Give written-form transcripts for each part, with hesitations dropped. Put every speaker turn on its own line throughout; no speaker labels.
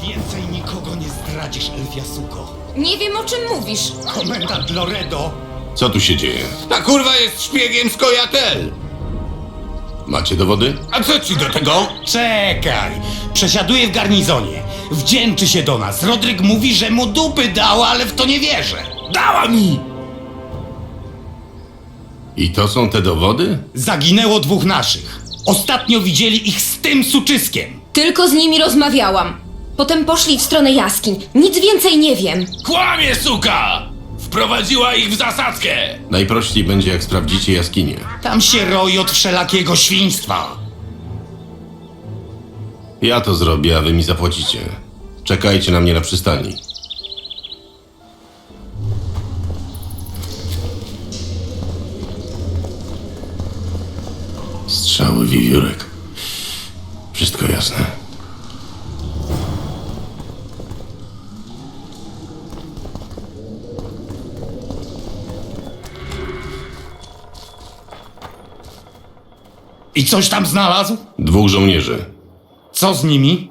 Więcej nikogo nie zdradzisz, Elfiasuko.
Nie wiem, o czym mówisz.
Komendant Loredo.
Co tu się dzieje?
Ta kurwa jest szpiegiem z Kojatel!
Macie dowody?
A co ci do tego?
Czekaj. Przesiaduje w garnizonie. Wdzięczy się do nas. Rodryk mówi, że mu dupy dała, ale w to nie wierzę.
Dała mi!
I to są te dowody?
Zaginęło 2 naszych. Ostatnio widzieli ich z tym suczyskiem.
Tylko z nimi rozmawiałam. Potem poszli w stronę jaskiń. Nic więcej nie wiem.
Kłamie, suka! Wprowadziła ich w zasadzkę!
Najprościej będzie, jak sprawdzicie jaskinię.
Tam się roi od wszelakiego świństwa.
Ja to zrobię, a wy mi zapłacicie. Czekajcie na mnie na przystani. Strzały, wiewiórek. Wszystko jasne.
I coś tam znalazł?
2 żołnierzy.
Co z nimi?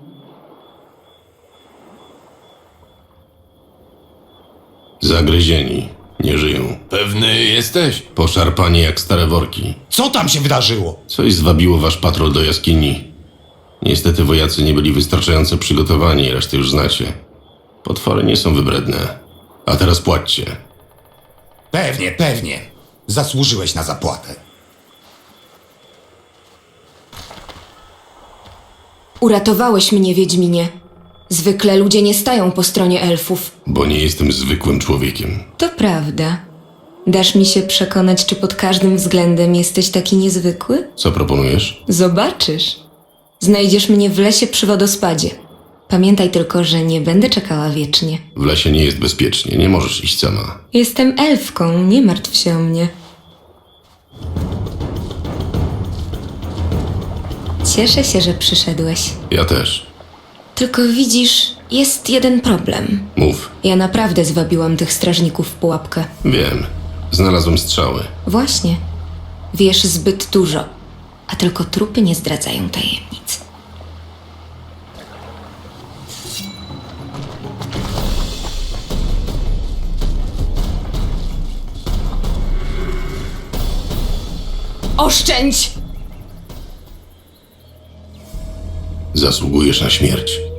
Zagryzieni. Nie żyją.
Pewny jesteś?
Poszarpani jak stare worki.
Co tam się wydarzyło?
Coś zwabiło wasz patrol do jaskini. Niestety wojacy nie byli wystarczająco przygotowani, resztę już znacie. Potwory nie są wybredne. A teraz płaćcie.
Pewnie, pewnie. Zasłużyłeś na zapłatę.
Uratowałeś mnie, Wiedźminie. Zwykle ludzie nie stają po stronie elfów.
Bo nie jestem zwykłym człowiekiem.
To prawda. Dasz mi się przekonać, czy pod każdym względem jesteś taki niezwykły?
Co proponujesz?
Zobaczysz. Znajdziesz mnie w lesie przy wodospadzie. Pamiętaj tylko, że nie będę czekała wiecznie.
W lesie nie jest bezpiecznie, nie możesz iść sama.
Jestem elfką, nie martw się o mnie. Cieszę się, że przyszedłeś.
Ja też.
Tylko widzisz, jest jeden problem.
Mów.
Ja naprawdę zwabiłam tych strażników w pułapkę.
Wiem. Znalazłem strzały.
Właśnie. Wiesz zbyt dużo, a tylko trupy nie zdradzają tajemnic. Oszczędź!
Zasługujesz na śmierć.